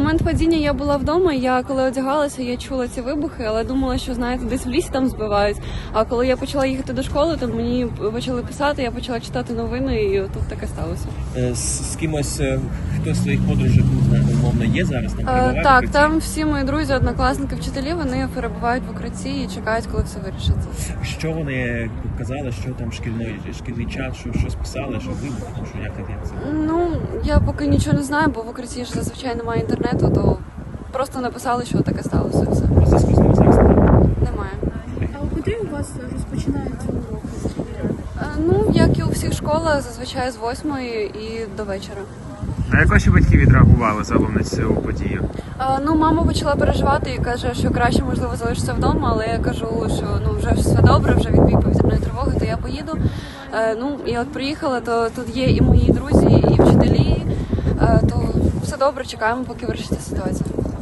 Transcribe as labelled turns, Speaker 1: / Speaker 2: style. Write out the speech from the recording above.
Speaker 1: момент падіння я була вдома, я коли одягалася, я чула ці вибухи, але думала, що, знаєте, десь в лісі там збивають. А коли я почала їхати до школи, то мені почали писати, я почала читати новини, і тут таке сталося.
Speaker 2: З кимось, хто з своїх подружок, умовно, є зараз? Там перебувають в
Speaker 1: Так,
Speaker 2: укритті?
Speaker 1: там всі мої друзі, однокласники, вчителі, вони перебувають в укритті і чекають, коли все вирішиться.
Speaker 2: Що вони казали, що там шкільний час, що списали, що вибух, що як це?
Speaker 1: Ну, я поки нічого не знаю, бо в укритті ж зазвичай немає інтернету, то просто написали, що таке сталося і все.
Speaker 2: По зв'язку з ним зараз?
Speaker 1: Немає.
Speaker 3: А у куди у вас розпочинаються уроки?
Speaker 1: Ну, як і у всіх школах, зазвичай з 8-ї і до вечора.
Speaker 4: А як ваші батьки відреагували загалом на цю подію?
Speaker 1: Ну, мама почала переживати і каже, що краще, можливо, залишитися вдома, але я кажу, що ну вже все добре, вже відбій повітряної тривоги, то я поїду. Ну, і от приїхала, то тут є і мої друзі, і вчителі, то все добре, чекаємо, поки вирішиться ситуація.